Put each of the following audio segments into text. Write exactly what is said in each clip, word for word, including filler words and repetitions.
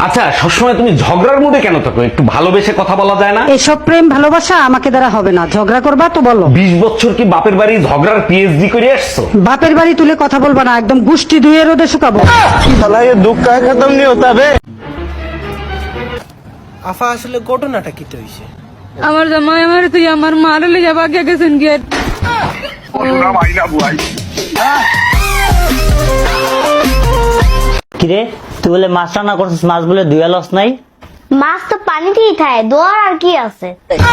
আচ্ছা, সবসময় তুমি ঝগড়ার মুডে কেন থাকো? একটু ভালোবেসে কথা বলা যায় না? এসব প্রেম ভালোবাসা আমাকে দ্বারা হবে না। ঝগড়া করবা তো বলো। বিশ বছর কি বাপের বাড়ি ঝগড়ার পিএইচডি করে আসছো? বাপের বাড়ি তুলে কথা বলবা না, একদম গুষ্টি ধুয়ে রোদে শুকাবো। साला ये दुख का खत्म नहीं होता बे। আফা আসলে ঘটনাটা কি হইছে? আমার জামাই আমার তুই আমার মারে লিয়ে যাবা কে গেছেন গেট কিরে তুই বলে মাছ রান্না করছিস, মাছ বলে ধুয়া লস নাই? মাছ তো পানিতেই থাকে, দোয়ার আর কি আছে?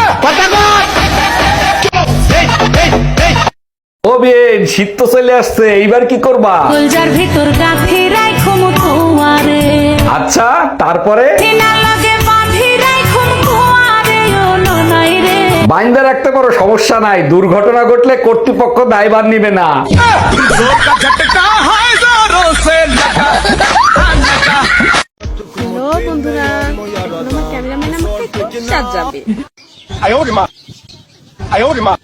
ও বেন, শীত তো চলে আসছে, এইবার কি করবা? কলজার ভিতর গাথি রাখো মুতুয়ারে আচ্ছা, তারপরে? না লাগে বাঁধি রাখো মুতুয়ারে ও ননাই রে। বাইন্দা রাখতে পারো, সমস্যা নাই। দুর্ঘটনা ঘটলে কর্তৃপক্ষ দায়ভার নিবে না। হ্যালো বন্ধুরা, আমার ক্যামেরাম্যান আমাকে খুব সাজাবে। 哎呦我的妈！哎呦我的妈！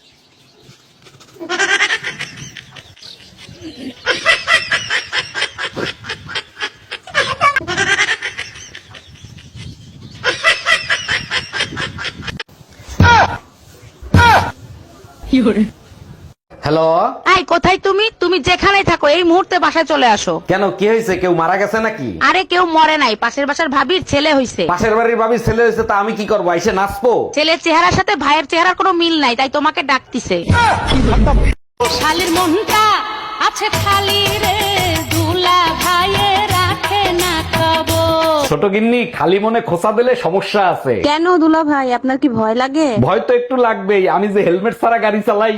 হ্যালো, এই কোথায় তুমি? তুমি যেখানেই থাকো এই মুহূর্তে বাসায় চলে আসো। কেন, কি হয়েছে? কেউ মারা গেছে নাকি? আরে কেউ মরে নাই, পাশের বাসার ভাবির ছেলে হইছে। পাশের বাড়ির ভাবির ছেলে হয়েছে, তা আমি কি করবো? এসে নাচবো? ছেলের চেহারার সাথে ভাইয়ের চেহারার কোনো মিল নাই, তাই তোমাকে ডাকতিছে। শালির মনটা আছে খালি রে, দুলা ভাইয়ে রাখে না খবর। ছোট গিন্নি, খালি মনে খোঁচা দিলে সমস্যা আছে। কেন দুলা ভাই, আপনার কি ভয় লাগে? ভয় তো একটু লাগবেই, আমি যে হেলমেট ছাড়া গাড়ি চালাই।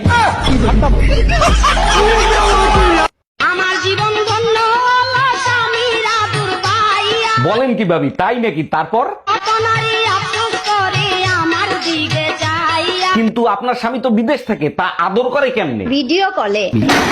আমার জীবন ধন্য আমার স্বামীর আদর পাইয়া, বলেন কি ভাবি, তাই নাকি? তারপর? কত নারী আফসোস করে আমার দিকে যাইয়া। কিন্তু আপনার স্বামী তো বিদেশ থাকে, তা আদর করে কেমনে? ভিডিও কলে।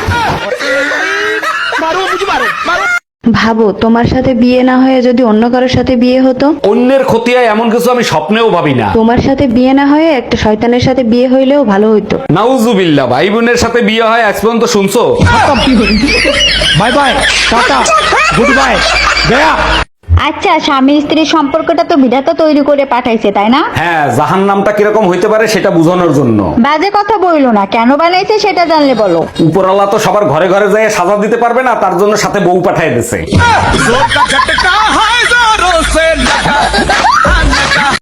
ভাবো তোমার সাথে বিয়ে না হয়ে যদি অন্য কারোর সাথে বিয়ে হতো। অন্যের ক্ষতি হয় এমন কিছু আমি স্বপ্নেও ভাবি না। তোমার সাথে বিয়ে না হয়ে একটা শয়তানের সাথে বিয়ে হইলেও ভালো হইতো। নাউজুবিল্লাহ, ভাই বোনের সাথে বিয়ে হয় আজ পর্যন্ত শুনছো? Bye bye tata good bye गया। আচ্ছা, স্বামী স্ত্রীর সম্পর্কটা তো বিধাতা তৈরি করে পাঠাইছে, তাই না? হ্যাঁ, জাহান নামটা কিরকম হইতে পারে সেটা বোঝানোর জন্য। বাজে কথা বইলো না, কেন বানাইছে সেটা জানলে বলো। উপরওয়ালা তো সবার ঘরে ঘরে যায় সাজা দিতে পারবে না, তার জন্য সাথে বউ পাঠায় দিছে।